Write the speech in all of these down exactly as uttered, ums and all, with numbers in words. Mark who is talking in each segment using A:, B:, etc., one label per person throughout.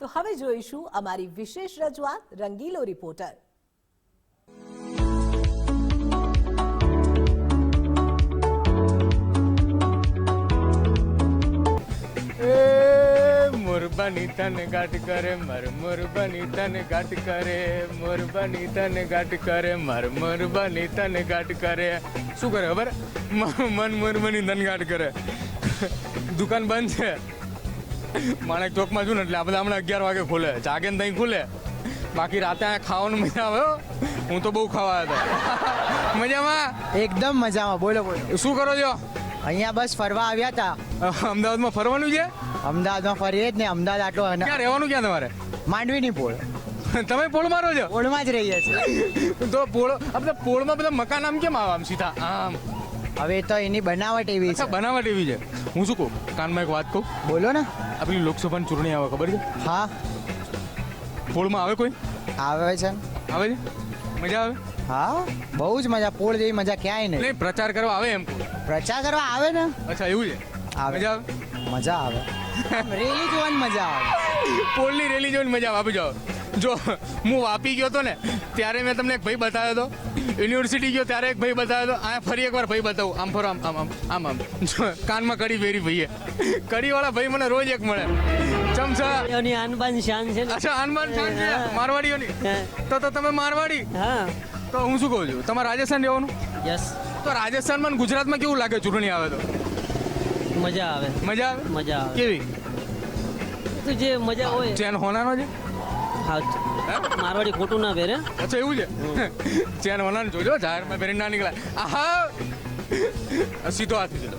A: તો હવે જોઈશું અમારી વિશેષ રજૂઆત રંગીલો રિપોર્ટર.
B: મોરબાની તને ગાંઠ કરે માર મોરબાની તને ગાંઠ કરે મોરબાની તને ગાંઠ કરે માર મોરબાની તને ગાંઠ કરે. શું કરે ખબર? મન મોરબાની તને ગાંઠ કરે. દુકાન બંધ છે માણેક ચોકમાં છું ને, એટલે આ બધા હમણાં અગિયાર વાગે ખોલે, જાગે ને ત્યાં ખુલે. બાકી રાતે અહીંયા ખાવાનું મજા આવે. હું તો બહુ ખાવા હતો. મજામાં?
C: એકદમ મજામાં. બોલો બોલો.
B: શું કરો છો?
C: અહીંયા બસ ફરવા આવ્યા હતા.
B: અમદાવાદમાં ફરવાનું છે?
C: અમદાવાદમાં ફરીએ જ ને. અમદાવાદ આટલો
B: ક્યાં રહેવાનું? ક્યાં તમારે?
C: માંડવીની પોળ.
B: તમે પોળ મારો છો?
C: પોળમાં જ રહીએ છીએ.
B: તો પોળ આ બધા પોળમાં બધા મકાન આમ કેમ આવે આમ સીધા આમ?
C: હવે તો એની બનાવટ એવી
B: અચ્છા,
C: છે.
B: બનાવટ એવી છે. હું શું કહું, કાનમાં એક વાત કહું.
C: બોલો ને.
B: આપણી લોકસભાની ચૂંટણી આવે, ખબર છે?
C: હા
B: પોળમાં આવે કોઈ?
C: આવે છે.
B: આવે છે? મજા આવે?
C: હા બહુ જ મજા. પોળ જેવી મજા ક્યાંય નહીં.
B: નહીં, પ્રચાર કરવા આવે એમ કહું.
C: પ્રચાર કરવા આવે ને.
B: અચ્છા, એવું છે?
C: આવે.
B: મજા આવે?
C: મજા આવે. રેલી જોવાની મજા આવે.
B: પોળની રેલી જોઈને મજા આવે. આપી જાઓ. જો હું વાપી ગયો હતો ને, ત્યારે મેં તમને એક ભાઈ બતાવ્યો હતો. યુનિવર્સિટી ગયો ત્યારે એક ભાઈ બતાવ્યો હતો. આ ફરી એકવાર ભાઈ બતાવું. આમ ફરો, આમ આમ આમ આમ આમ જો કાનમાં કડી પહેરી ભાઈએ. કડીવાળા ભાઈ મને રોજ એક મળે. ચમચા.
D: એની આનબાન શાન છે ને.
B: અચ્છા, હનુમાન શાન છે મારવાડીઓની. તો તો તમે મારવાડી?
D: હા.
B: તો હું શું કહું છું, તમારે રાજસ્થાન રહેવાનું?
D: યસ.
B: તો રાજસ્થાનમાં અને ગુજરાતમાં કેવું લાગે ચૂંટણી આવે તો?
D: મજા આવે.
B: મજા આવે?
D: મજા આવે.
B: કેવી?
D: તો જે મજા હોય.
B: ચેન હોનાનો છે?
D: હા. મારવાડી ખોટું ના પહેરે.
B: અચ્છા, એવું છે? ચેન હોનાનો જોજો, જાહેરમાં પહેરીને ના નીકળાય. આહા, સીધો હાથ સીધો.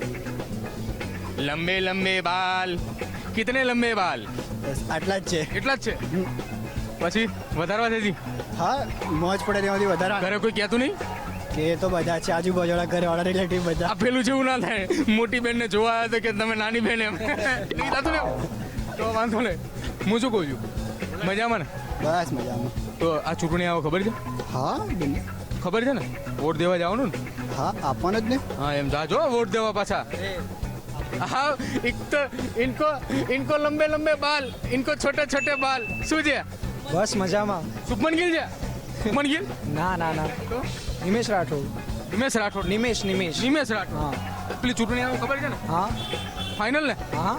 B: લંબે લંબે બાલ. કિતને લંબે બાલ?
C: આટલા જ છે.
B: એટલા જ છે? પછી વધારવા દેતી?
C: હા મોજ પડે તેમાંથી વધારે.
B: ઘરે કોઈ કહેતું નહીં
C: કે તો બધા છે આજુબાજુવાળા ઘરવાળા રિલેટિવ બધા.
B: આ પેલું જેવું ના થાય, મોટી બેનને જોવા આવ્યા તો કે તમે નાની બેન એમ નહીં થતું ને? તો વાંધો નહીં. હું શું કહું છું, મજામાં ને?
C: બસ મજામાં.
B: તો આ ચૂંટણી આવો ખબર છે?
C: હા
B: ખબર છે ને? વોટ દેવા જવાનું ને?
C: હા આપવાનો જ ને.
B: હા, એમ જાજો વોટ દેવા પાછા. હા, એક તો ઇનકો ઇનકો લંબે લંબે બાલ, ઇનકો છોટે છોટે બાલ. શું છે?
C: બસ મજામાં.
B: શુભમન ગિલ છે? શુભમન ગિલ?
C: ના ના ના.
B: તો
C: નિમેશ રાઠોડ.
B: નિમેશ રાઠોડ.
C: નિમેશ નિમેશ.
B: નિમેશ રાઠોડ.
C: હા
B: પેલી ચૂંટણી આવો ખબર છે ને?
C: હા
B: ફાઇનલ ને?
C: હા.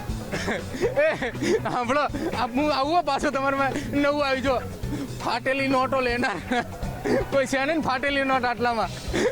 B: એ સાંભળો, હું આવું પાછો તમારે નવું આવી જો. ફાટેલી નોટો લેનાર કોઈ છે ને? ફાટેલી નોટ આટલામાં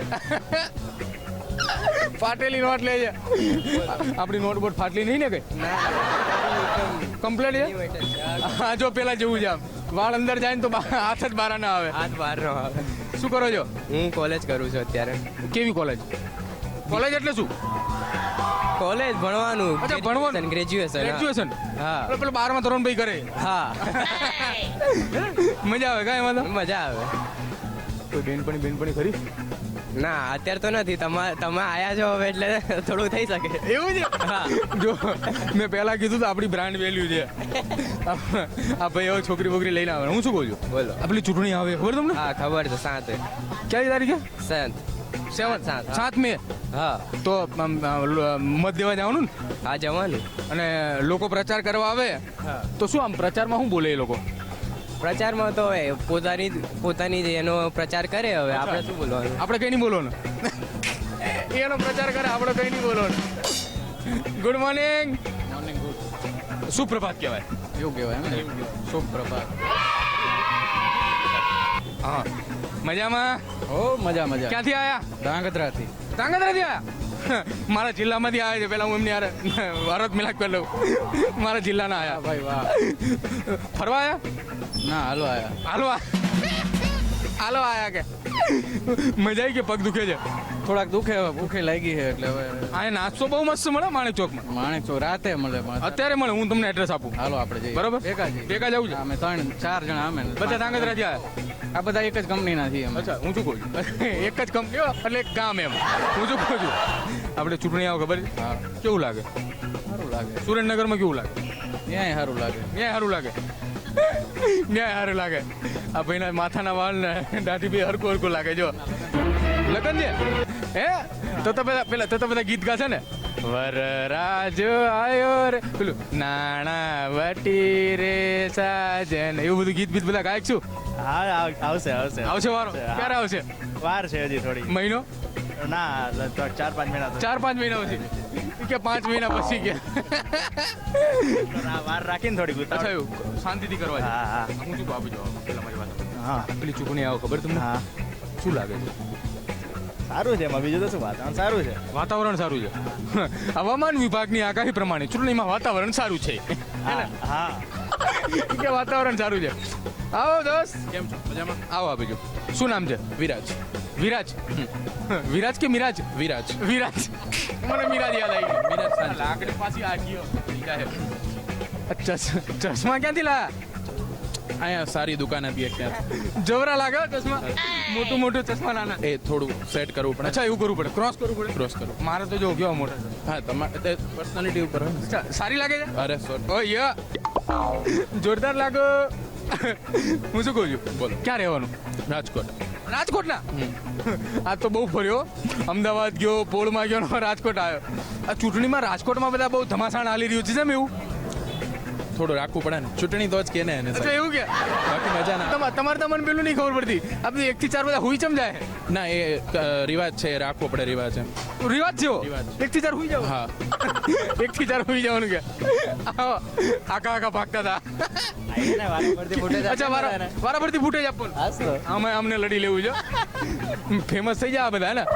B: ફાટેલી નોટ લે છે. આપણી નોટ બોટ ફાટલી નહીં ને કઈ? કમ્પ્લેટ છે. હા, જો પેલા જેવું છે. આમ વાળ અંદર જાય ને તો હાથ જ બહાર ના આવે.
E: હાથ બહાર નો આવે.
B: શું કરો છો?
E: હું કોલેજ કરું છું અત્યારે.
B: કેવી કોલેજ? કોલેજ એટલે શું?
E: કોલેજ ભણવાનું.
B: અચ્છા, ભણવાનું.
E: ગ્રેજ્યુએશન.
B: ગ્રેજ્યુએશન.
E: હા.
B: પેલો બારમા ધોરણ ભાઈ કરે.
E: હા.
B: મજા આવે કાંઈ વાંધો?
E: મજા આવે.
B: કોઈ બેનપણી બેનપણી ખરી?
E: ના અત્યારે તો નથી. તમા તમે આયા છો હવે એટલે થોડું થઈ શકે.
B: એવું છે?
E: હા.
B: જો મેં પહેલા કીધું તો આપણી બ્રાન્ડ વેલ્યુ છે. આ ભાઈ હવે છોકરી બોકરી લઈને આવે. હું શું કહું છું,
E: બોલો.
B: આપણી ચૂંટણી આવે ખબર તમને?
E: હા ખબર છે. સાત
B: ક્યારે તારીખે?
E: સાત
B: સેવન
E: સાત.
B: સાત મે.
E: હા.
B: તો આમ, આ, મત દેવા જવાનું ને?
E: હા જવાનું.
B: અને લોકો પ્રચાર કરવા આવે
E: હા.
B: તો શું આમ પ્રચારમાં શું બોલે એ લોકો?
E: પ્રચારમાં તો હવે પોતાની પોતાની જે એનો પ્રચાર કરે. હવે આપણે શું બોલવાનું?
B: આપણે કઈ નહીં બોલવાનું. એનો પ્રચાર કરે, આપણે કઈ નહીં બોલવાનું. Good morning. Morning good. સુપ્રભાત કહેવાય. એવું કહેવાય એમ ને? સુપ્રભાત. હા, મજામાં?
F: ઓ મજા મજા.
B: ક્યાંથી આયા?
F: ધાંગધ્રાથી.
B: ધાંગધ્રાથી આયા? મારા જિલ્લામાંથી આવ્યા છે. પેલા હું એમની યાર ભારત મિલાપ કરી લઉં. મારા જિલ્લાના આયા.
F: ભાઈ વાહ.
B: ફરવા આયા?
F: ના હાલો આયા.
B: હાલો આ- હાલો આયા કે મજા આવી કે પગ દુખે છે?
F: થોડાક દુખે હવે ભૂખે લાગી છે એટલે હવે
B: આ નાસ્તો બહુ મસ્ત મળે માણેક ચોકમાં.
F: માણેક ચોક રાતે મળે. પણ
B: અત્યારે મળે. હું તમને એડ્રેસ આપું.
F: હાલો આપણે જઈએ.
B: બરોબર?
F: ભેગા જઈએ.
B: ભેગા જવું છે?
F: અમે ત્રણ ચાર જણા અમે ને
B: બધા ધાંગધ્રાથી આવ્યા?
F: આ બધા એક જ કંપનીના છીએ અમે.
B: અચ્છા, હું શું કહું છું, એક જ કંપનીઓ એટલે એક ગામ એમ. હું શું કહું છું, આપણે ચૂંટણી આવો ખબર છે?
F: હા
B: કેવું લાગે?
F: સારું લાગે.
B: સુરેન્દ્રનગરમાં કેવું લાગે?
F: ત્યાંય સારું લાગે.
B: ન્યાય સારું લાગે. ન્યાય સારું લાગે. આ ભાઈના માથાના વાળ ને દાઢી બી હરકું હરકું લાગે. જો લગન છે હે તો તો પેલા પેલા તો તો બધા ગીત ગાશે ને? વરરાજ આયો રે પેલું નાણા વટી રે સાજન એવું બધું ગીત બીત બધા ગાયક છું.
G: હા આવ- આવશે આવશે
B: આવશે વારો
G: હા.
B: ક્યારે આવશે?
G: વાર છે હજી થોડી
B: મહિનો
G: ના લગભગ ચાર પાંચ મહિના તો
B: ચાર પાંચ મહિના પછી કે પાંચ મહિના પછી કે
G: ના, વાર રાખીને થોડી
B: અચ્છા
G: ગુતાવટ.
B: એવું શાંતિથી કરવા છે.
G: હા હા
B: હું શું આપી જવાબ પેલા મારી વાત સાંભળો.
G: હા
B: પેલી ચૂંટણી આવો ખબર તમને
G: હા
B: શું લાગે છે?
G: સારું છે એમાં બીજું તો શું વાત આમ સારું છે.
B: વાતાવરણ સારું છે. હવામાન વિભાગની આગાહી પ્રમાણે ચૂંટણીમાં વાતાવરણ સારું છે.
G: હા હા
B: કે વાતાવરણ સારું છે. આવો દોસ્ત
F: કેમ છો મજામાં?
B: આવો આપી જો. શું નામ છે?
F: વિરાજ
B: વિરાજ વિરાજ કે મિરાજ?
F: વિરાજ
B: વિરાજ મને મિરાજ યાદ આવી ગઈ.
F: વિરાજ સાંજ.
B: લાકડી પાછી આ ગયો ચશ- ચશ્મા ક્યાંથી લાયા?
F: અહીંયા સારી દુકાન હતી એક ત્યાં
B: જવરા લાગે હો ચશ્મા. મોટું મોટું ચશ્મા નાના.
F: એ થોડું સેટ કરવું પડે.
B: અચ્છા એવું કરવું પડે, ક્રોસ કરવું પડે.
F: ક્રોસ કરવું.
B: મારે તો જો કેવા મોટા છે.
F: હા તમારે પર્સનાલિટી ઉપર હોય ને.
B: અચ્છા, સારી લાગે છે?
F: અરે સોરી
B: ઓ યા જોરદાર લાગો. હું શું કહું છું?
F: બોલો.
B: ક્યાં રહેવાનું?
F: રાજકોટ
B: રાજકોટના? આ તો બહુ ફર્યો. અમદાવાદ ગયો, પોળમાં ગયો ને રાજકોટ આવ્યો. આ ચૂંટણીમાં રાજકોટમાં બધા બહુ ધમાસાણ હાલી રહ્યું છે. જેમ એવું
F: થોડું રાખવું પડે ને ચૂંટણી તો જ કે ને એને
B: અચ્છા એવું કે
F: બાકી મજા ના
B: તમારે તમારે તો મને પેલું નહીં ખબર પડતી. આ બધું એક થી ચાર બધા હુઈ ચમ જાય.
F: ના એ અ, રિવાજ છે એ રાખવો પડે રિવાજ છે
B: રિવાજ છે એવો?
F: રિવાજ.
B: એક થી ચાર હુઈ જાવ.
F: હા
B: એક થી ચાર હુઈ જવાનું કે આવો, આખા આખા ભાગતા હતા. અચ્છા વારા વારા પરથી ફૂટેજ આપવાનું. અમે અમને લડી લેવું છે. ફેમસ થઈ જાય આ બધા ને.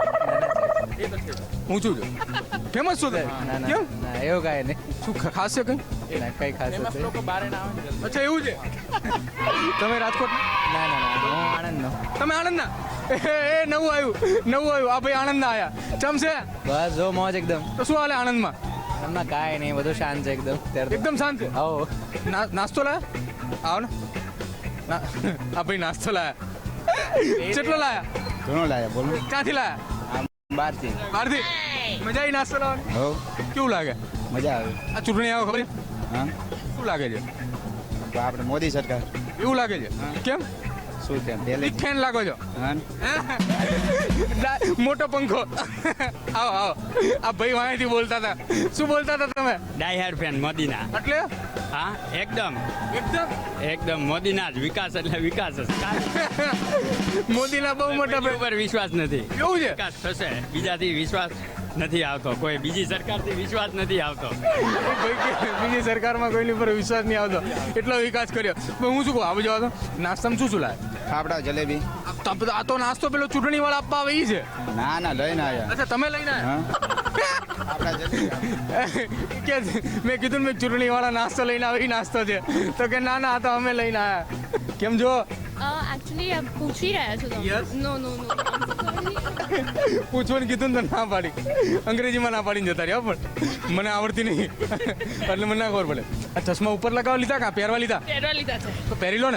B: હું છું ફેમસ છું તે? કેમ
C: એવું કાંઈ નહીં
B: શું ખ- ખાસ છે કઈ?
C: કઈ ખાસ
F: ફેમસ લોકો બારે ના આવે ને જલ્દી.
B: અચ્છા એવું છે. તમે રાજકોટ?
C: ના ના ના હું આણંદનો
B: તમે આણંદના? એ એ, નવું આવ્યું નવું આવ્યું આ ભાઈ આણંદના આયા. ચમ છે?
C: બસ જો મોજ એકદમ
B: તો શું હાલે આણંદમાં?
C: એમના કાંઈ નહીં બધું શાંત છે એકદમ ત્યારે
B: એકદમ શાંત છે.
C: આવો
B: ના- નાસ્તો લાયા? આવો ને ના આ ભાઈ નાસ્તો લાયા. કેટલો લાયા?
C: ઘણો લાયા બોલો
B: ક્યાંથી લાયા?
C: બહારથી
B: બહારથી? મજા આવી નાસ્તો લાવવાની?
C: હો
B: કેવું લાગે?
C: મજા આવે
B: આ ચૂંટણી આવે ખબર છે?
C: હા
B: શું લાગે છે?
C: તો આપણે મોદી સરકાર
B: એવું લાગે છે? કેમ?
C: શું છે પહેલે
B: બિગ ફેન લાગો છો?
C: હા
B: ડા- મોટો પંખો. આવો આવો આ ભાઈ વાંહેથી બોલતા હતા. શું બોલતા હતા તમે?
H: ડાય હાર્ડ ફેન મોદીના
B: એટલે
H: હા એકદમ
B: એકદમ
H: એકદમ મોદીના જ વિકાસ એટલે વિકાસ જ
B: મોદીના બહુ મોટા
H: કોઈની
B: પ્રે-
H: ઉપર વિશ્વાસ નથી
B: એવું છે?
H: વિકાસ થશે બીજાથી વિશ્વાસ નથી આવતો કોઈ બીજી સરકારથી વિશ્વાસ નથી આવતો
B: ભાઈ કે બીજી સરકારમાં કોઈની ઉપર વિશ્વાસ નહીં આવતો એટલો વિકાસ કર્યો. પણ હું શું કહું આવું જવા તો નાસ્તામાં શું શું લાવે?
C: ફાફડા જલેબી
B: આ તો- આ તો નાસ્તો પેલો ચૂંટણી વાળા આપવા આવે ઈ છે.
C: ના ના લઈને આવ્યા
B: અચ્છા તમે લઈને આવ્યા?
C: હા ફાફડા જલેબી
B: કે મેં કીધું ને મેં ચૂંટણી વાળા નાસ્તો લઈને આવે ઈ નાસ્તો છે. તો કે ના ના આ તો અમે લઈને આવ્યા. કેમ જો
I: એકચ્યુઅલી પૂછી રહ્યા છો
B: Yes.
I: તમે નો નો નો
B: પૂછવાનું કીધું ને તો ના પાડી. અંગ્રેજીમાં ના પાડીને જતા રહ્યા પણ મને આવડતી નહીં એટલે મને ના ખબર પડે. આ ચશ્મા ઉપર લગાવવા લીધા કાં પહેરવા લીધા?
I: પહેરવા લીધા છે
B: તો પહેરી લો ને.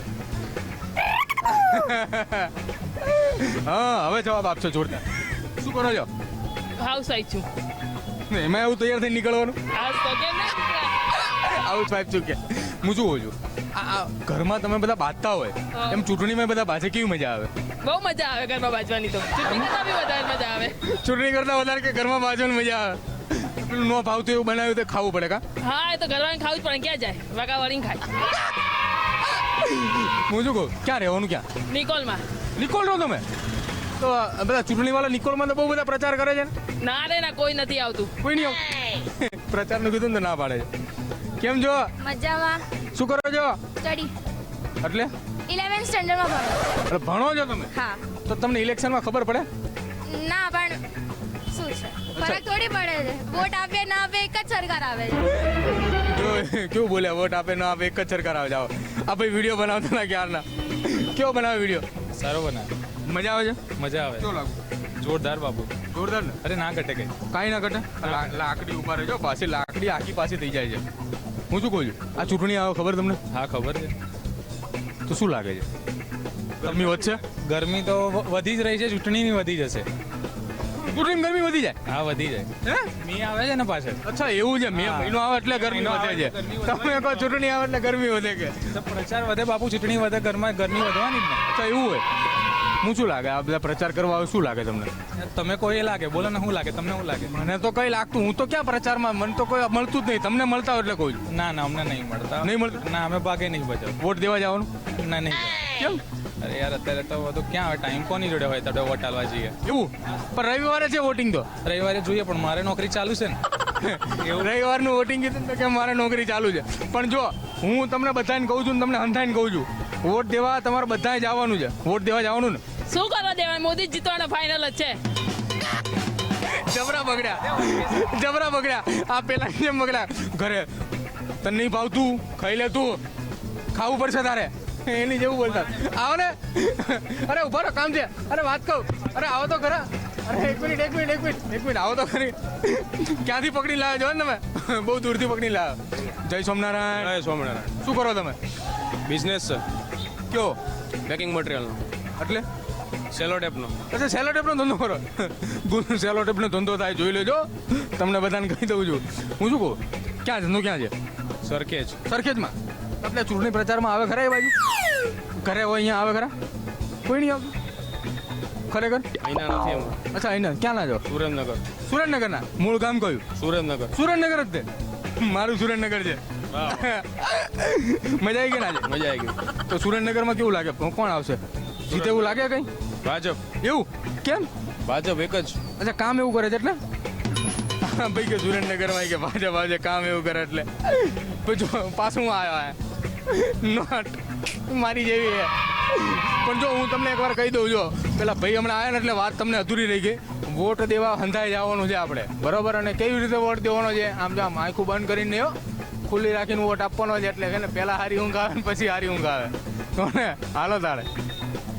B: હા હવે જવાબ આપશો જોરદાર. શું કરો છો?
I: હાઉસ વાઈફ છું
B: એમાં એવું તૈયાર થઈને નીકળવાનું?
I: હાઉસ તો કેમ ના નીકળ્યા?
B: આવું જ વાઈફ છું કે હું શું કહું છું આ આ ઘરમાં તમે બધા બાંધતા હોય
I: હા.
B: એમ ચૂંટણીમાં બધા બાજે કેવી મજા આવે?
I: બહુ મજા આવે ઘરમાં બાજવાની તો ચૂંટણી કરતાં બી વધારે મજા આવે
B: ચૂંટણી કરતા વધારે કે ઘરમાં બાજવાની મજા આવે? પેલું ન ભાવતું એવું બનાવ્યું તો ખાવું પડે કા?
I: હા એ તો ઘરવાળાને ખાવું જ પડે ક્યાં જાય વાગા વાળીને ખાય
B: હું શું કહું ક્યાં રહેવાનું ક્યાં?
I: નિકોલમાં
B: નિકોલ રહો તમે? તો આ બધા ચૂંટણી વાળા નિકોલમાં તો બહુ બધા પ્રચાર કરે છે ને?
I: ના રે ના કોઈ નથી આવતું
B: કોઈ નહીં આવતું? પ્રચારનું કીધું ને તો ના પાડે છે. કેમ છો?
J: મજામાં
B: શું કરો છો?
J: સ્ટડી
B: એટલે
J: ઇલેવન્થ સ્ટેન્ડર્ડમાં ભણો
B: એટલે ભણો છો તમે?
J: હા
B: તો તમને ઇલેક્શનમાં ખબર પડે?
J: ના પણ શું છે ફરક થોડી પડે છે વોટ આપે ના આપે એક જ સરકાર આવે છે
B: જો કેવું બોલ્યા વોટ આપે ના આપે એક જ સરકાર આવે જાઓ. આ ભાઈ વિડીયો બનાવતા હતા ક્યારના. કેવો બનાવે વિડીયો?
F: સારો બનાવે
B: મજા આવે છે?
F: મજા આવે
B: કેવું લાગુ?
F: જોરદાર બાબુ
B: જોરદાર ને?
F: અરે ના ઘટે કઈ
B: કાંઈ ના ઘટે. લા- લાકડી ઉભા રહેજો પાછી લાકડી આખી પાછી થઈ જાય છે. હું શું કહું છું આ ચૂંટણી આવે ખબર તમને?
F: હા ખબર છે
B: તો શું લાગે છે ગરમી વધશે?
F: ગરમી તો વ- વધી જ રહી છે ચૂંટણીની વધી જશે
B: ચૂંટણીમાં ગરમી વધી જાય?
F: હા વધી જાય
B: હે?
F: મી આવે છે ને પાછળ
B: અચ્છા એવું છે. મે
F: હા.
B: મહિનો આવે એટલે ગરમી
F: મહિનો
B: વધે
F: આવે
B: છે.
F: એટલે ગરમી વધે.
B: તમે કહો ચૂંટણી આવે એટલે ગરમી વધે કે?
F: તો પ્રચાર વધે બાપુ ચૂંટણી વધે ઘરમાં ગરમી વધવાની જ ને
B: અચ્છા એવું હોય. હું શું લાગે આ બધા પ્રચાર કરવા આવે શું લાગે તમને?
F: તમે કોઈ એ લાગે બોલો ને શું લાગે તમને શું લાગે?
B: મને તો કઈ લાગતું, હું તો ક્યાં પ્રચારમાં, મને તો કોઈ મળતું જ નહીં. તમને મળતા હોય એટલે કહું છું.
F: ના ના અમને નહીં મળતા.
B: નહીં મળતું?
F: ના અમે ભાગે નહીં બજાવ.
B: વોટ દેવા જવાનું?
F: ના નહીં.
B: કેમ?
F: અરે યાર અત્યારે તો બધું ક્યાં આવે ટાઈમ કોની જોડે હોય તો વોટ આલવા જઈએ.
B: એવું પણ રવિવારે છે વોટિંગ તો.
F: રવિવારે જોઈએ પણ મારે નોકરી ચાલુ છે ને.
B: રવિવારનું વોટિંગ કીધું ને કે મારે નોકરી ચાલુ છે. પણ જો હું તમને બધાને કહું છું ને તમને હંધાઈને કહું છું, વોટ દેવા તમારે બધાએ જવાનું છે. વોટ દેવા જવાનું ને.
I: શું કરવા દેવાય? મોદી જીતવાનો ફાઇનલ જ છે.
B: જબરા બગડ્યા, જબરા બગડ્યા. આ પેલા જેમ બગડ્યા. ઘરે તને નહીં ભાવતું ખાઈ લે તું, ખાવું પડશે તારે, એની જેવું બોલતા. આવો ને, અરે ઉભા રહો કામ છે. અરે વાત કહું, અરે આવો તો ખરા. અરે એક મિનિટ એક મિનિટ એક મિનિટ એક મિનિટ આવો તો ખરી. ક્યાંથી પકડી લાવ્યો છો ને તમે? બહુ દૂરથી પકડી લાવ્યો. જય સોમનારાયણ.
F: જય સ્વામિનારાયણ.
B: શું કરો તમે?
F: બિઝનેસ છે
B: કયો?
F: પેકિંગ મટીરિયલનો
B: એટલે
F: સેલો ટેપનો.
B: અચ્છા સેલો ટેપનો ધંધો કરો. સેલો ટેપનો ધંધો થાય જોઈ લેજો. તમને બધાને કહી દઉં છું. હું શું કહું, ક્યાં ધંધો ક્યાં છે?
F: સરખેજ.
B: સરખેજમાં? એટલે ચૂંટણી પ્રચારમાં આવે ખરા એ બાજુ? ઘરે હોય અહીંયા આવે ખરા? કોઈ નહીં આવતું ખરેખર?
F: અહીંના નથી એમ.
B: અચ્છા અહીંયા ક્યાં ના જાઓ?
F: સુરેન્દ્રનગર.
B: સુરેન્દ્રનગરના? મૂળ ગામ કયું?
F: સુરેન્દ્રનગર.
B: સુરેન્દ્રનગર જ તે. મારું સુરેન્દ્રનગર છે. મજા આવી ગઈ ને આજે?
F: મજા આવી ગઈ.
B: તો સુરેન્દ્રનગરમાં કેવું લાગે, કોણ આવશે? જીતે એવું લાગે કઈ?
F: ભાજપ.
B: એવું કેમ?
F: ભાજપ એક જ.
B: અચ્છા કામ એવું કરે છે એટલે? ભાઈ કે સુરેન્દ્રનગરમાં કે ભાજપ આજે કામ એવું કરે એટલે પછી પાછું આવ્યો નોટ મારી જેવી છે. પણ જો હું તમને એકવાર કહી દઉં, જો પેલા ભાઈ હમણાં આવ્યા ને એટલે વાત તમને અધૂરી રહી ગઈ. વોટ દેવા હંધાઈ જવાનું છે આપણે, બરોબર? અને કેવી રીતે વોટ દેવાનો છે? આમ જો આમ આંખું બંધ કરીને હો, ખુલ્લી રાખીને વોટ આપવાનો છે. એટલે છે ને પહેલાં હારી ઊંઘ આવે ને પછી હારી ઊંઘ આવે. તો ને હાલો તારે.